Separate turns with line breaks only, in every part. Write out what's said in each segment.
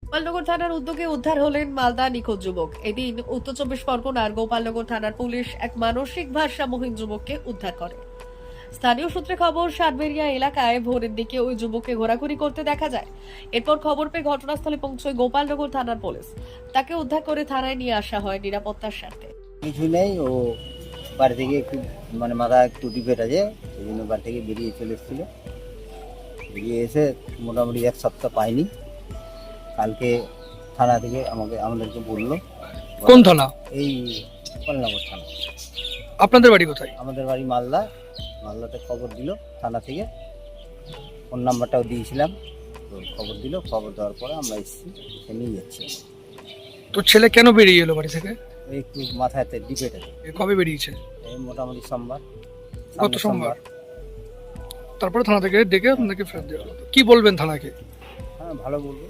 গোপালনগর থানার উদ্যোগে উদ্ধার হলেন মালদা নিখোঁজ যুবক। এদিন উত্তর চব্বিশ পরগনার গোপালনগর থানার পুলিশ এক মানসিক ভারসাম্যহীন যুবককে উদ্ধার করে। স্থানীয় সূত্রে খবর, সাতবেরিয়া এলাকায় ভোরের দিকে ওই যুবককে ঘোরাঘুরি করতে দেখা যায়। এরপর খবর পেয়ে ঘটনাস্থলে পৌঁছয় গোপালনগর থানার পুলিশ। তাকে উদ্ধার করে থানায় নিয়ে আসা হয় নিরাপত্তার স্বার্থে।
কিছু নেই, ও বাড়ি থেকে একটু মাথা একটু ডিফেক্ট আছে, সেই জন্য বাড়ি থেকে বেরিয়ে চলে এসেছিলো। বেরিয়ে এসে মোটামুটি এক সপ্তাহ পাইনি। কালকে থানা থেকে আমাদেরকে বললো।
কোন থানা?
এই গোপালনগর থানা।
আপনাদের বাড়ি কোথায়?
আমাদের বাড়ি মালদাতে খবর দিল থানা থেকে। ফোন নাম্বারটাও দিয়েছিলাম, তো খবর দিল। খবর দেওয়ার পরে আমরা এসেছি, এসে নিয়ে যাচ্ছি।
তো ছেলে কেন বেরিয়ে এলো বাড়ি থেকে?
একটু মাথাতে ডিফেক্ট আছে।
কবে বেরিয়েছে?
এই মোটামুটি সোমবার।
গত সোমবার। তারপরে থানা থেকে ডেকে আপনাকে ফেরত দেওয়া হলো। কি বলবেন থানাকে?
হ্যাঁ, ভালো বলবো,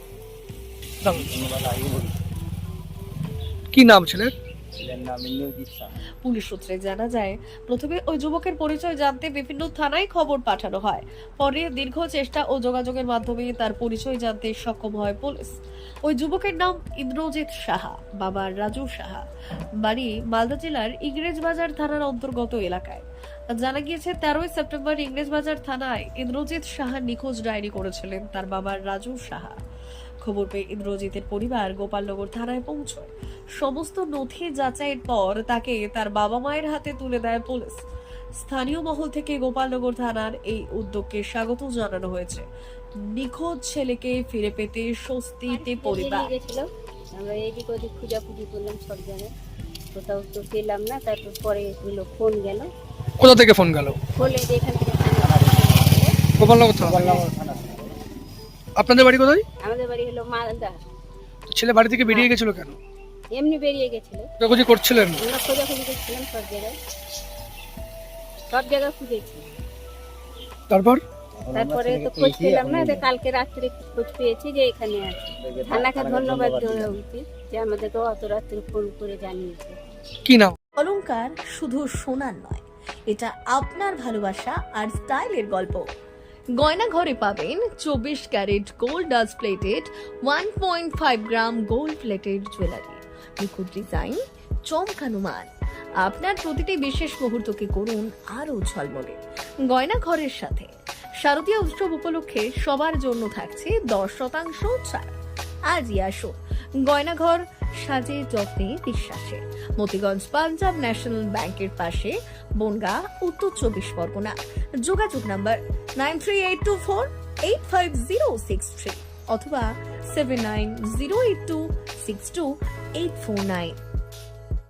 ধন্যবাদ। আগে বলি,
কি নাম ছেলের?
ছেলের নাম ইন্দ্রজিৎ শাহ।
পুলিশ সূত্রে জানা যায়, প্রথমে ওই যুবকের পরিচয় জানতে বিভিন্ন থানায় খবর পাঠানো হয়। পরে দীর্ঘ চেষ্টা ও যোগাযোগের মাধ্যমে তার পরিচয় জানতে সক্ষম হয় পুলিশ। ওই যুবকের নাম ইন্দ্রজিৎ সাহা, বাবা রাজু সাহা, বাড়ি মালদা জেলার ইংরেজবাজার থানার অন্তর্গত এলাকায়। জানা গিয়েছে 13ই সেপ্টেম্বর ইংরেজবাজার থানায় ইন্দ্রজিৎ সাহা নিখোঁজ ডায়েরি করেছিলেন তার বাবা রাজু সাহা। খবর পেয়ে ইন্দ্রজিতের পরিবার গোপালনগর থানায় পৌঁছয়। সমস্ত নথি যাচাইয়ের পর তাকে তার বাবা মায়ের হাতে তুলে দেয় পুলিশ। স্থানীয় মহল থেকে গোপালনগর থানার এই উদ্যোগকে স্বাগত জানানো হয়েছে। নিখোঁজ ছেলেকে ফিরে পেতে স্বস্তিতে পরিবার।
আমরা এদিক ওদিক খুঁজাখুঁজি করলাম সব জায়গায়, কোথাও তো পেলাম না। তারপর পরে হলো ফোন গেল,
কোথা থেকে ফোন গেল?
বলে যে এখান থেকে
গোপালনগর থানা।
গোপালনগর থানা।
আপনাদের বাড়ি কোথায়?
আমাদের বাড়ি হলো মালদা।
ছেলে বাড়ি থেকে বেরিয়ে গেছিল কেন?
এমনি বেরিয়ে গেছিল।
খোঁজাখুঁজি করছিলেন?
আমরা খোঁজাখুঁজি করছিলাম সব জায়গায় খুঁজেছি। তারপরে তো খোঁজ পেলাম না। কালকে রাত্রে খোঁজ পেয়েছি যে এখানে আছে। থানাকে ধন্যবাদ দেওয়া উচিত যে আমাদেরকে অত রাত্রে ফোন করে জানিয়েছে।
কি নাম?
অলংকার শুধু সোনার নয়, এটা আপনার ভালোবাসা আর স্টাইলের গল্প। গয়না ঘরে পাবেন 24 carat gold dust plated 1.5 gram gold plated jewellery, নিখুঁত ডিজাইন, চমকানো মান। আপনার প্রতিটি বিশেষ মুহূর্তকে করুন আরো ঝলমলে। গয়না ঘরের সাথে শারদীয় উৎসব উপলক্ষে সবার জন্য থাকছে 10% ছাড়। আজই আসুন, গয়নাঘর সাজে যত্নে বিশ্বাসে। মতিগঞ্জ পাঞ্জাব ন্যাশনাল ব্যাংকের পাশে, বনগা, উত্তর 24 পরগনা। যোগাযোগ নাম্বার 9382485063 অথবা 7908262849।